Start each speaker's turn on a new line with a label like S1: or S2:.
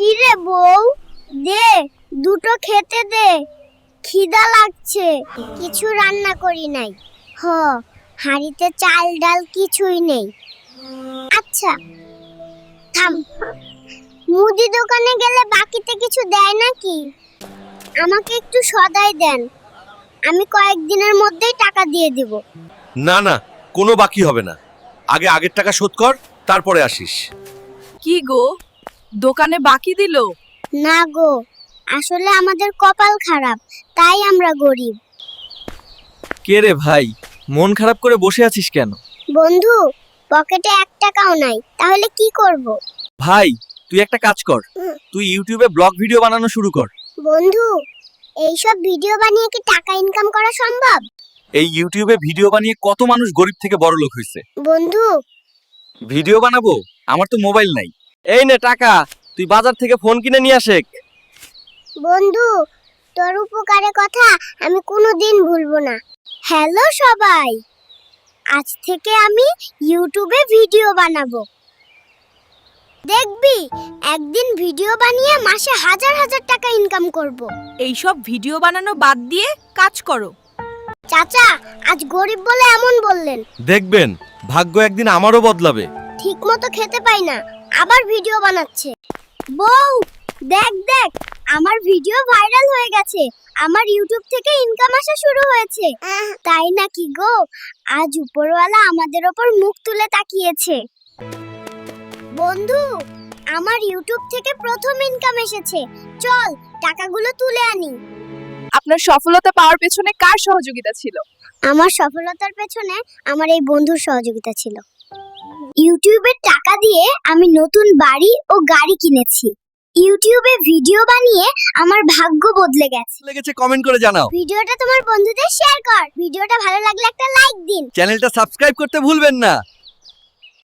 S1: কি রে বউ, দে দুটো খেতে দে, খিদা লাগছে। কিছু রান্না করি নাই। হাঁড়িতে চাল ডাল কিছুই নেই। আচ্ছা থাম, মুদি দোকানে গেলে বাকিতে কিছু দেয় নাকি? আমাকে একটু সদাই দেন, আমি কয়েকদিনের মধ্যেই টাকা দিয়ে দিব।
S2: না না, কোনো বাকি হবে না। আগে আগের টাকা শোধ কর, তারপরে আসিস।
S3: কি গো, দোকানে বাকি দিল?
S1: না গো, আসলে আমাদের কপাল খারাপ, তাই আমরা গরিব।
S4: কে রে ভাই, মন খারাপ করে বসে আছিস কেন?
S1: বন্ধু, পকেটে 1 টাকাও নাই, তাহলে কি করব?
S4: ভাই, তুই একটা কাজ কর, তুই ইউটিউবে ব্লগ ভিডিও বানানো শুরু কর।
S1: বন্ধু, এইসব ভিডিও বানিয়ে কি টাকা ইনকাম করা সম্ভব?
S4: এই ইউটিউবে ভিডিও বানিয়ে কত মানুষ গরিব থেকে বড় লোক হয়েছে।
S1: বন্ধু,
S4: ভিডিও বানাবো? আমার তো মোবাইল নাই। এই নে টাকা, তুই বাজার থেকে ফোন কিনে নিয়ে আসেক।
S1: বন্ধু, তোর উপকারের কথা আমি কোনোদিন ভুলবো না। হ্যালো সবাই, আজ থেকে আমি ইউটিউবে ভিডিও বানাবো। দেখবি, একদিন ভিডিও বানিয়ে মাসে হাজার হাজার টাকা ইনকাম করব।
S3: এইসব ভিডিও বানানো বাদ দিয়ে কাজ করো।
S1: চাচা, আজ গরিব বলে এমন বললেন।
S2: দেখবেন, ভাগ্য একদিন আমারও বদলাবে।
S1: ঠিকমতো খেতে পাই না, আবার ভিডিও বানাচ্ছে। বউ, দেখ দেখ, আমার ভিডিও ভাইরাল হয়ে গেছে, আমার ইউটিউব থেকে ইনকাম আসা শুরু হয়েছে। তাই নাকি গো? আজ উপরওয়ালা আমাদের ওপর মুখ তুলে তাকিয়েছে। বন্ধু, আমার ইউটিউব থেকে প্রথম ইনকাম এসেছে, চল টাকাগুলো তুলে আনি।
S3: আপনার সফলতা পাওয়ার পেছনে কার সহযোগিতা ছিল?
S1: আমার সফলতার পেছনে আমার এই বন্ধুর সহযোগিতা ছিল। ইউটিউবের টাকা দিয়ে আমি নতুন বাড়ি ও গাড়ি কিনেছি। ইউটিউবে ভিডিও বানিয়ে আমার ভাগ্য বদলে গেছে।
S4: লেগেছে কমেন্ট করে জানাও।
S1: ভিডিওটা তোমার বন্ধুদের শেয়ার কর। ভিডিওটা ভালো লাগলে একটা লাইক দিন।
S4: চ্যানেলটা সাবস্ক্রাইব করতে ভুলবেন না।